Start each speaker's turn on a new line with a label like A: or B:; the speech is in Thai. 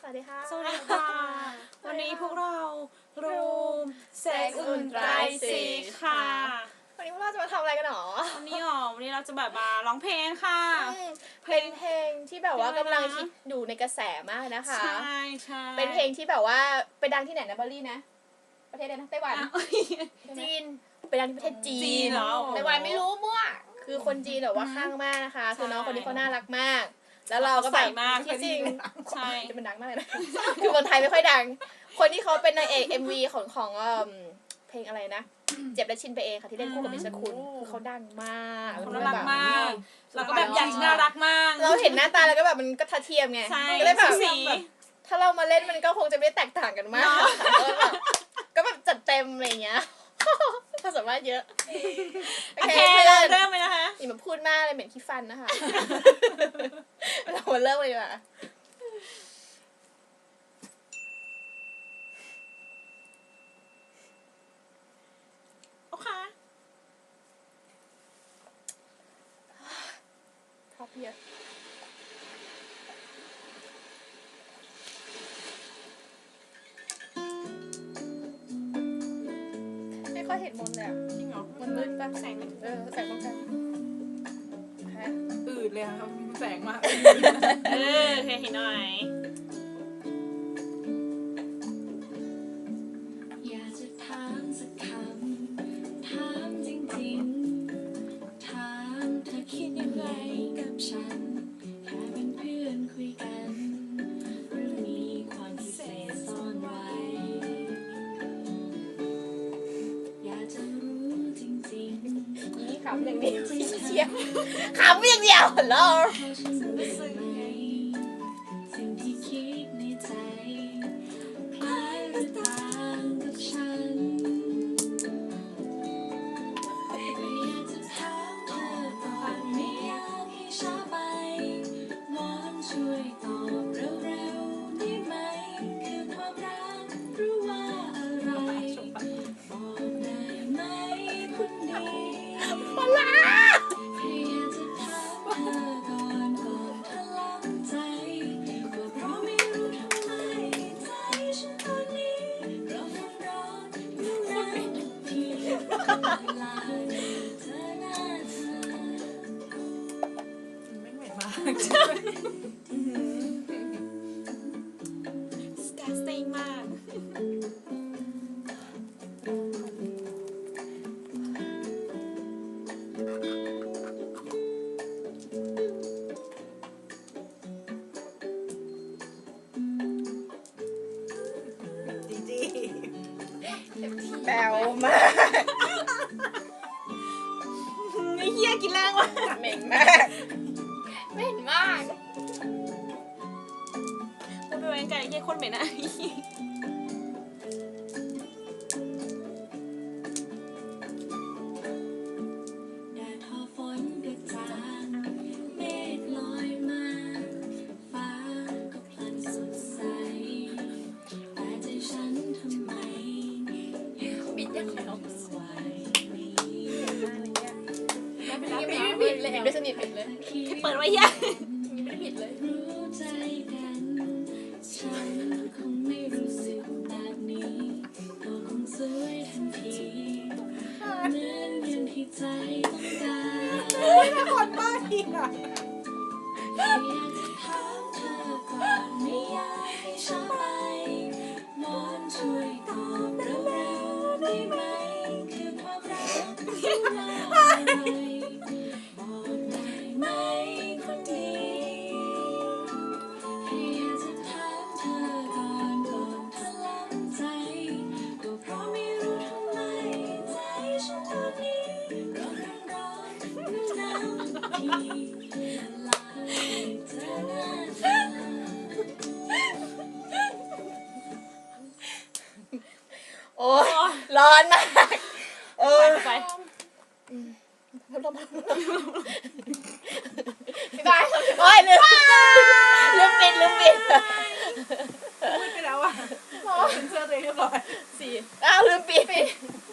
A: สวัสดีค่ะ
B: สวัสดีค่ะวันนี้พวกเรารูมเซ็กซ์อุ่นไตรสีค่ะ
A: วันนี้พวกเราจะมาทำอะไรกันหรอ
B: วันนี้เราจะแบบมาร้องเพลงค่ะ
A: เป็นเพลงที่แบบว่ากำลังฮิตอยู่ในกระแสมากนะคะ
B: ใช่ใช่
A: เป็นเพลงที่แบบว่าไปดังที่ไหนนะเบอร์รี่นะประเทศอะไรนะไต้หวันจีนไปดังที่ประเทศจีนไต้หวันไม่รู้มั่วคือคนจีนแบบว่าข้างมากนะคะคือน้องคนนี้เขาน่ารักมากแล้วเราก็แบบที่จริง
B: ใช่
A: จะเป็นดังมากเลยนะคือคนไทยไม่ค่อยดังคนที่เขาเป็นนางเอก MV ของเพลงอะไรนะเจ็บและชินไปเองค่ะที่เล่นคู่กับมิชคุณคือเขาดังมาก
B: เขาน่ารักมากแล้วก็แบบอยากน่ารักมาก
A: เราเห็นหน้าตาแล้วก็แบบมันก็ทัดเทียมไงก็เลยแบบถ้าเรามาเล่นมันก็คงจะไม่แตกต่างกันมากก็แบบจัดเต็มอะไรเงี้ยความสามารถเยอะ
B: โอเคเริ่มเลยนะคะ
A: อย่ามาพูดมากเลยเหม็นขี้ฟันนะคะเรามาเริ่มเลยดีกว่า
B: โอเค
A: ท็อปเยอะไม่ค่อยเห็นมนเลยอ่ะ
B: จริงเหรอ
A: มันมืดป่ะ
B: แสง
A: แสงป้องกัน
C: อืดเลยค่ะมีแสงมาก
B: โอเคเห็นหน่อย
D: อยากจะถามสักคำถามจริงๆถามเธอคิดยังไงกับฉันแค่เป็นเพื่อนคุยกันหรือมีความพิเศษซ่อนไว้อยากจะรู้จริงๆ
A: นี่ขำอย่างเดียวเชียขำอย่างเดียวเหรอ
D: สิ่งที่คิดในใจคล้ายหรือต่างกับฉันไม่อยากจะถามเธอก่อนไม่อยากให้ช้าไปวอนช่วยตอบเร็วๆได้ไหมคือความรักหรือว่าอะไรบอกได้ไหมคนดี
A: มาลา
D: อยากจะถามเธอก่อนทะลังใจก็เพราะไม่รู้ทำไมใจฉันตอนนี้ร้อนยุ่งยากทุกทีเวลาเธอหน้าเธอ
C: ไม่เหม็นมาก
B: disgusting มาก
A: แบวมาก
B: ไอ้เหี้ยกินแรงว่ะ
A: เหม็นมากเหม็นมาก
B: พูดไปไว้ไกลไอ้เหี้ยโคตรเหม็นอะ
D: แดดทอฝนกระจางเมฆลอยมาฟ้าก็พลันสดใสแต่ใจฉันทำไม
A: ปิดยังไง
D: ไหว
A: ไม่ได้ปิดเลยไม่สนิทปิดเลย
B: เปิดไว้เหี้ย
A: ไม่ได้ปิดเลย
D: รู้ใจกันฉันคงไม่รู้สึกแบบนี้ก็คงสวยทันทีเหมือนอย่างที่ใจต้องการ
C: คนบ้าทีอ่ะ
D: อยากจะถามเธอก่อนไม่อยากให้ช้าไปวอนช่วยตอบเร็วๆได้ไหมคือความรักที่ว่าอะไรบอกได้ไหมคนดีอยากจะถามเธอก่อนทะลังใจก็เพราะไม่รู้ทำไมใจฉันตอนนี้ร้อนหนาวทุกทีลาเธอหน้าเธอ
A: โอ้ร้อนมาก
B: ไป
A: พี่บายโอ้ยลืมปิด
C: พูดไปแล้วอ่ะเป็นเสื้อตัวเองเรียบร้อย
A: 4ลืมปิด